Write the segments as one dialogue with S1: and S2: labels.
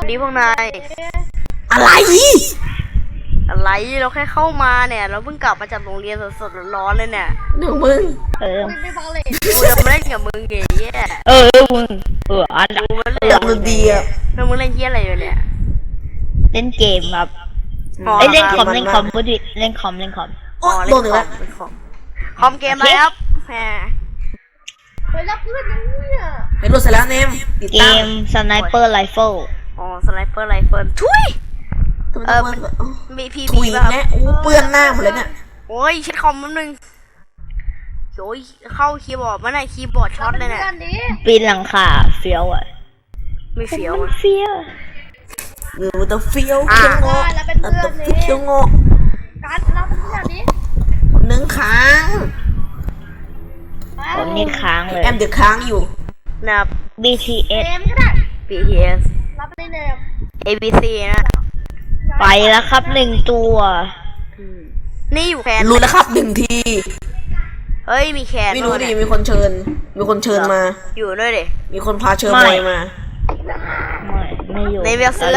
S1: ดีพวกนาย
S2: อะไร
S1: อะไรเราแค่เข้ามาเนี่ยเราเพิ่งกลับมาจากโรงเรียนสดๆร้อนๆเลยเนี่ย
S2: หนูมึง
S3: ไม่ฟังเลย
S1: กูจะมาเล่นกับมึงไงเหี้ย
S4: มึงอัน
S1: กูมาเล่น
S2: อยากดูดีอ่ะ
S1: แล้วมึงเล่นเหี้ยอะไรอยู่เนี่ย
S4: เล่นเกมครับ
S1: อ๋อ
S4: เล่นคอม
S2: มัน
S4: เล่นคอมพูดดิเล่นคอม
S2: โอ้
S1: อ๋อ
S2: โด
S1: เล่
S2: น
S1: น
S2: อีก
S1: คอ
S2: แล้ว
S1: มเล่นคอมเกมอะไรครับแหม
S3: ไปรับเพื่อนเนี่ย
S2: ไปรถเสร็จแล้วเนมติด
S4: เก
S2: ตั้ง
S4: มสไนเปอร์ไรเฟิล
S1: อ๋อสไนเปอร์ไรเฟิลทุย
S2: มัน
S1: มีพี
S2: ถุ
S1: บี
S2: ย
S1: ป่ะครับ
S2: แน่โอ้เปื้อนหน้าหมดเลยเนี่ย
S1: โอ้ยเช็ดคอมแป๊บนึงโอ้ยเข้าคีย์บอร์ดมันไหนคีย์บอร์ดช็อตเลยเนี่ย
S3: กันดิ
S4: ปีนหลังคาเฟี้ยวอ่ะ
S1: ไม่เฟี้ยว
S4: มัน
S1: อะ
S4: เฟี้ยว
S2: มันจะเฟี้ยวเคี้ยวงอ
S3: แล้วเป็น
S2: มัน
S3: เพื่อ
S2: จะ
S3: นนี่
S2: เคี้ยวงอ
S3: การรับเป็นเพื่อนดิ
S2: หนึ่งค้าง
S4: ผมนี่ค้างเลย
S2: แอมเดือดค้างอยู่
S1: นะครับ
S4: BTS
S3: เนมก็ได้
S1: BTS
S3: รับในเนม
S1: ABC นะ
S4: ไปแล้วครับ1 ตัว
S1: นี่อยู่แคน
S2: รู้แล้วครับหนึ่งที
S1: เฮ้ยมีแคน
S2: ไม่รู้
S1: ด้วย
S2: ดิ
S1: เนี่ย
S2: มีคนเชิญมา
S1: อยู่ด้วยดิ
S2: มีคนพาเชิญ
S4: ไม่
S2: บอยมา
S4: ไม่อยู่
S1: ในเวียเสือ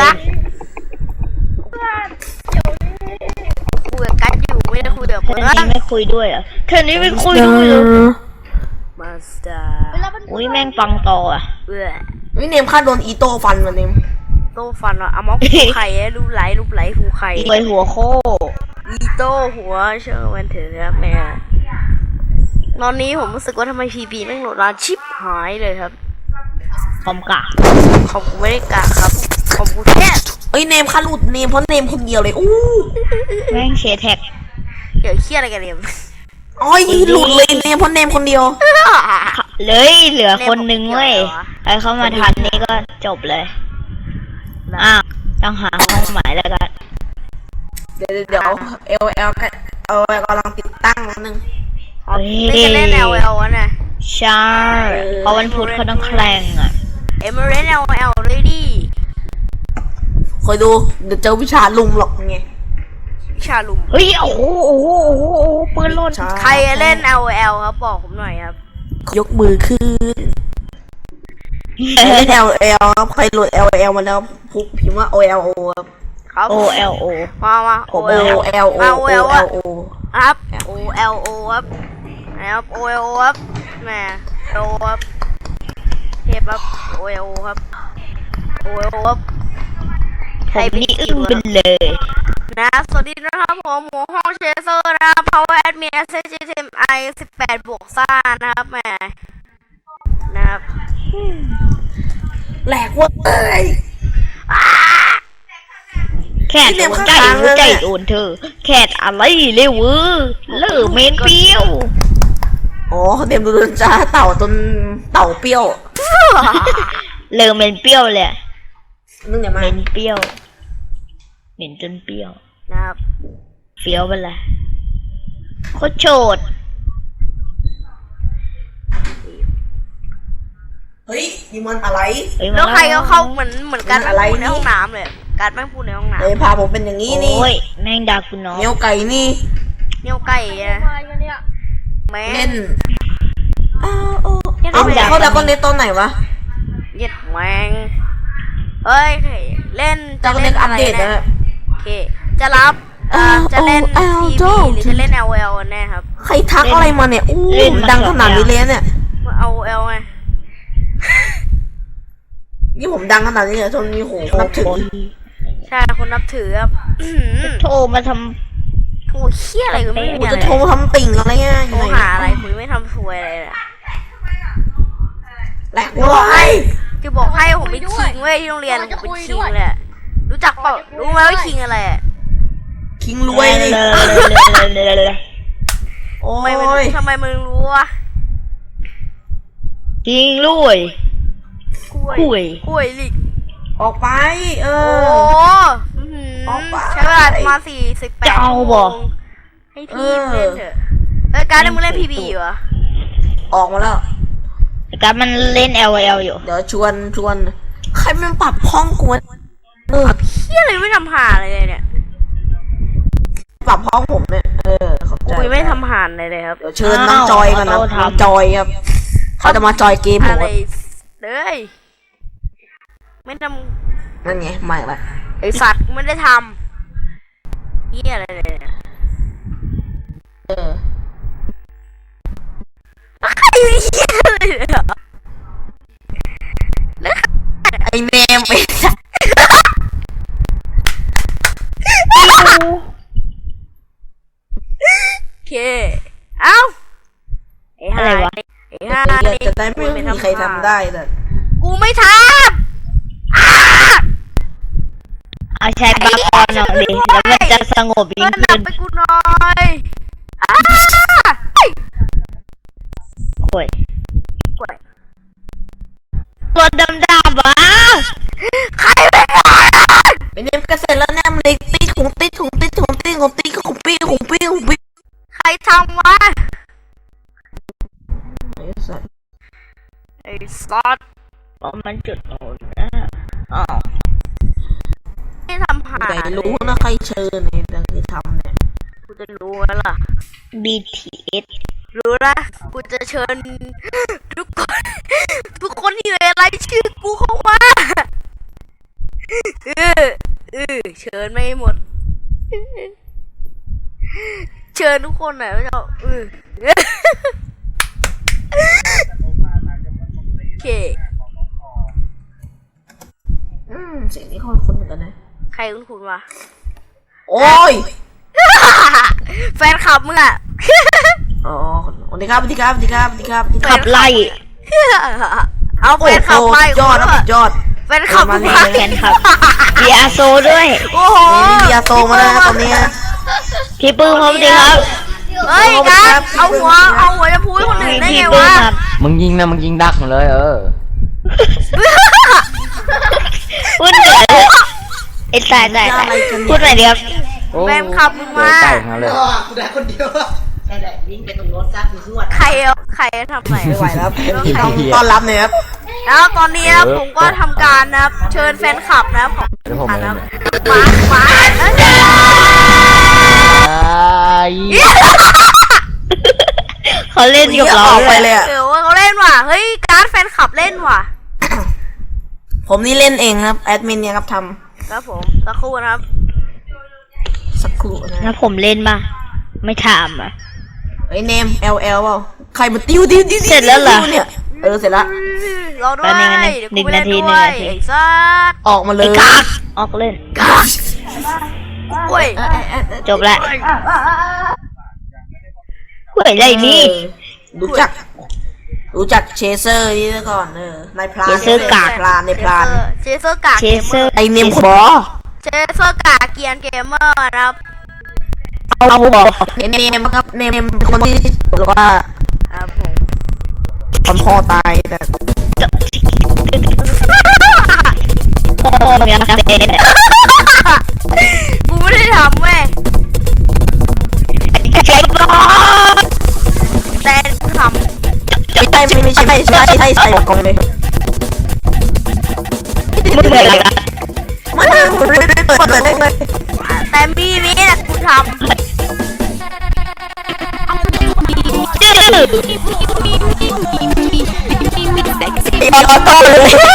S1: คุยกับกัดอยู่ไม่ได้คุยกับ
S4: แค่
S1: เพื่อน
S4: นี้ไม่คุยด้วยเหรอ่ะแค่นี้ไม่คุยด้วยเหรอ
S1: มาสเตอร์
S3: ไปรับเป็น
S4: อุ้ยแม่งปังต่ออ่ะ
S1: เบื่อ
S2: วิเนมค่าโดนอีโต้ฟันมาเนม
S1: โต้ฟันว่ะเอามอกหูไข่รูปไหลหูไข่
S4: ไปหัวโค
S1: อีโต้หัวเชื่อมันเถอะครับแม่ตอนนี้ผมรู้สึกว่าทำไมพีบีแม่งโหลดร้านชิปหายเลยครับ
S4: คอมกะ
S1: ของกูไม่ได้กะครับของกูแค่
S2: เอ้ยเนมค่าหลุดเนมเพราะเนมคนเดียวเลยอู้
S4: แม่งเชแท็ก
S1: เดี๋ยวเครียดอะไรกันเนี่ย
S2: อ้อยหลุดเลยเนมเพราะเนมคนเดียว
S4: เลยเหลือคนนึงเว้ยใครเข้ามาทันนี่ก็จบเลยอ้าวต้องหาห้องหมายแล้วกัน
S2: เดี๋ยวLL กันกำลังติดตั้งนิดนึง
S1: ไม่จะเล่น LL อ่ะนะ
S4: ใช่เพราะวันพุธเขาต้องแข่งอ่ะ
S1: มาเล่น LL ด้วยดิ
S2: คอยดูเดี๋ยวเจอวิชาลุมหรอกไง
S1: วิชาลุม
S4: เฮ้ยโอ้โหปืนหล่น
S1: ใครเล่น LL ครับบอกผมหน่อยครับ
S2: ยกมือขึ้นใครเล่น LL ครับใครโหลด LL มาแล้วพิมพ์ว่า OLO ครับ
S1: ครับ
S4: OLO
S1: มา
S2: ผม OLO
S1: มา OL อ่ะ
S2: OLO
S1: ครับ OLO ครับนะครับ OLO ครับแหม OLO ครับเทปครับ OLO ครับ OLO ครับ
S4: ผมนี่อึ้งไปเลย
S1: นะสวัสดีนะครับผมหมูห้องเชเซอร์นะครับ Power Admin SGTMI 18 บวกซ่านะครับแหมนะครับ
S2: แหลกเว่าเอ้ย
S4: แคทโดนใจหัวใจโดนเธอแคทอะไรเร็วเลิกเมนเปรี้ยว
S2: อ๋อเดมดูจ้าเต่าเปรี้ยว
S4: เลิกเมนเปรี้ยวเลย
S2: นึกอย่ามา
S4: เมนเปรี้ยวเหม็นจนเปรี้ยว
S1: นะครับ
S4: เฟี้ยวไปเลยโคตรโฉด
S2: เฮ้ยนี่มันอะไร
S1: แล้วใครก็เข้าเหมือนกัน
S2: อะไร
S1: พูดใน
S2: นี่
S1: ห้องน้ำเลยการแม่งพูดในห้องน้
S2: เอ้ยพาผมเป็นอย่างนี้นี่
S4: โอ้ยแม่งด่ากูน้อง
S2: เนียวไก่นี่
S1: ำเนี่ยไก่อะ
S3: มากันเนี่ย
S1: แม่
S2: เล่นอ้าวโอ้
S1: เนี่ย
S2: เอา
S1: ทำไม
S2: เขาดักคอนเนตตอนไหนวะ
S1: เย็ดแมงเฮ้ยเล่น
S2: ดักคอนเนตอัปเดต
S1: นะ
S2: นะ
S1: โอเคจะรับจะเล่น TV หรือจะเล่น LL แน่ครับ
S2: ใครทักอะไรมาเนี่ยอู้ดังขนาดนี้เลยเนี่ย
S1: เอา L ไง
S2: นี่ผมดังขนาดนี้เลยจนมีโหนับถือ
S1: ใช่คนนับถือครับ
S4: โทรมาท
S1: โอ้เชี่ยอะไรกูไม่
S2: กู
S1: มีอะ
S2: จะ
S1: ไร
S2: โทรมาทำติ่งอะไรเงี้ยอ
S1: โท
S2: ยู่
S1: ร
S2: ไหน
S1: หาอะไรคุยไม่ทำซวยอะไรเลย
S2: แหลกเลย
S1: จะบอกให้ผมเป็นคิงเว้ยที่โรงเรียนผมเป็นคิงเลยรู้จักเปล่ารู้ไหมว่าคิงอะไร
S2: คิง
S4: ำ
S2: รวยนี่โอ้
S1: ทำไมมึงรู้วะ
S4: จริงรวย
S1: กล้วยลิก
S2: ออกไปเอ
S1: โอ้
S2: ออกไป
S1: ใช้เวลามา48 ชั่วโมงให้พี่เล่นเถอะเฮ้ยการ์ดมึงเล่น PB อยู่เหรอ
S2: ออกมาแล้ว
S4: แต่การมันเล่น LOL อยู่
S2: เดี๋ยวชวนใครมันปรับห้องกูวะ
S1: เฮียอะไรไม่ทำหาอะไรเลยเนี่ย
S2: ปรับห้องผมเนี่ยขอบใจ
S1: กูไม่ทำหานอะไรเลยครับ
S2: เดี๋ยวเชิญน้องจอยกันนะน้องจอยครับเขาจะมาจอยเกมผม
S1: อะไรเลยไม่ทำ
S2: นั่นไงไม่ละ
S1: ไอสัตว์ไม่ได้ทำเหี้ยอะไรเนี่ย
S2: เออ
S1: ใครเหี้ยอะไรเนี่ย
S2: ไอเนมไอสัตว์
S1: โอเคเอ้าไอ้ห่า
S4: อะไรวะ
S1: ไอ้ห่า
S2: จะได้ไม่มีใครทำได้แต่
S1: กูไม่ทำอ้า
S4: เอาใช้บาปอนหน่อยดิแล้วมันจะสงบ
S1: เพื่
S4: ยิ่
S1: อง น
S4: ขึ้น
S1: ไปกูหน่อยอ้า
S4: โอ้ย
S1: กล้วย
S4: ตัวดำๆวะ
S1: ใครไม่ได้
S2: ไอเนมก็เสร็จแล้วแนมเลยตีของตีของตีของตีของตีของปีของปีของปี
S1: ใครทำวะ
S2: ไอสัตว์
S1: ไอ้สัตว์
S4: อ๋อมันจุดโน่นนะอ๋อ
S1: ไม่ทำหา
S2: แต่รู้นะใครเชิญในแต่ที่ทำเนี่ย
S1: กูจะรู้แล้วล่ะ
S4: BTS
S1: รู้ละกูจะเชิญทุกคน ทุกคนที่อยู่ในรายชื่อกูเข้ามาเชิญไม่หมด เชิญทุกคนหน่อยไม่เอาโอเค
S2: เสียงนี้คนเหมือนกันนะ
S1: ใครคุณวะ
S2: โอ้ย
S1: แฟนคลับมึงอ่ะ
S2: อ๋อสวัสดีครับสวัสดีครับสวัสดีครับสวัสดีครับ
S4: ขับไล่
S1: เอาแฟนคลับไป
S2: ยอดนะยอด
S1: แฟนคลับมึงไป
S4: แฟนคลับเบียร์โซด้วย
S1: โอ้โห
S2: มียาโตมาแล้วนะตอนนี้
S4: พี่ปื้มพร้อมดีครับ
S1: เฮ้ยกันเอาหัวจะพูดให้คนอื่นได้
S4: พี่
S1: ไง
S4: ปื้ม
S1: วะ
S4: ครับ
S5: มึงยิงนะมึงยิงดักมาเลย
S4: พูดหน่อยไอ้ตายพูดหน่อยดีครับ
S5: โอ้
S1: แฟนคลับมึงมา
S5: เจอใกล้ทั้งนั้นเลย
S1: ใครทำไหน
S2: ไม่ไหวแล้วต้องต้อนรับหน่อยครับ
S1: แล้วตอนนี้นะผมก็ทำการนะครับเชิญแฟนคลับนะครับของ
S5: เดี๋ยวผม
S1: นะ
S5: เอ
S1: ครั
S5: ง
S1: บมา
S4: เขาเล่นกับ
S2: อ
S4: เรา
S2: อก
S4: ด้
S2: ไป
S4: วย
S2: เลยอ่ะ
S1: เดี๋ยวเขาเล่นว่ะเฮ้ยการ์ดแฟนคลับเล่นว่ะ
S2: ผมนี่เล่นเองครับแอดมินเนี่ยครับท
S1: ครับผมสักครู่นะครับ
S2: ำสักครู่นะ
S4: แล้วผมเล่นป่ะไม่ถามอ่ะ
S2: ไอ้เนม LL เปล่าใครมาติ้วเนี่ยเสร็จแล้ว
S1: รอด้วย
S4: แป๊บนึงนะ
S1: เดี๋ยวกูไปเล่น
S4: หนึ่ง
S1: ด้ว
S4: นาย ที
S1: ไอ้สัส
S2: ออกมาเลย
S4: ไอ้กากออกเล่น
S1: โอ้ย
S4: จบละเฮ้ยอะไรนี่
S2: รู้จักเชเซอร์นี่ก่อนนายพราน
S4: เชเซอร์กาก
S2: พรานในพราน
S1: เชเซอร์กาก
S4: เชเซอร์
S2: ไอเนมขอ
S1: เชเซอร์กากเกียนเกมเมอร์นะครับ
S4: เอาบอก
S2: ไอเนมครับเนมเป็นคนที่บอกว่า
S1: ครับผม
S2: ตอนพ่อตายแต่
S4: โอ้ยยังเด็ด
S1: กูไม่ได้ทำเว้ย
S4: ใช่ปะ
S1: แต่กูท
S2: ไม่ใช่บอกกองเลย
S4: มึงเหนื่อยอะไรกัน
S2: ไม่เปิดเลย
S1: ำแต่มีนี้นะกูท
S4: จื้อ
S2: ต่อเลย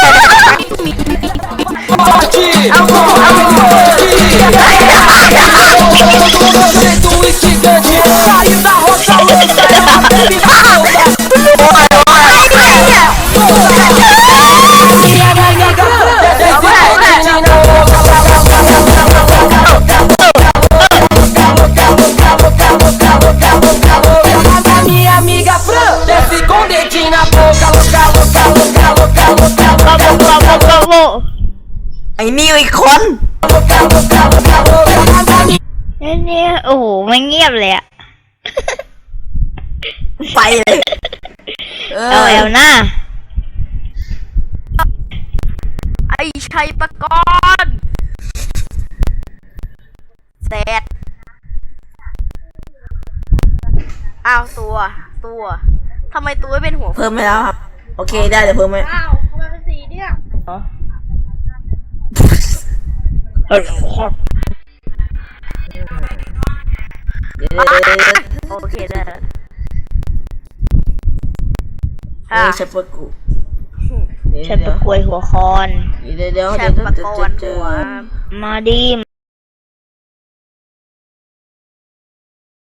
S6: Minha amiga Fran desce com dedinho na boca, louca, louca, louca, louca, louca,
S4: กบกบกบ
S2: ไอ้นิวอีกคน
S6: louca, louca, louca, louca.
S4: เนี่ยโอ้โหมันเงียบเลยอะ
S2: ไปเลย
S4: เอาแอลหน้า
S1: ำไอ้ชัยประกรณ์เสร็จอ้าวตัวทำไมตัวไม่เป็นหัว
S2: เพิ่มไปแล้วครับโอเคได้เดี๋ยวเพิ่มไหม
S3: อ้าวทำไมเป็นสีเนี่ย
S1: โอเคได้แล้ว
S2: เฮ้ยเชฟเฟอร์กูเฮ้
S4: ฉันประกวยหัวคอน
S2: เดี๋ยว
S1: แช
S2: เดี๋ยว
S1: มป์ประกอน
S2: เจ
S1: หั
S2: อ
S1: ว
S4: มาดิ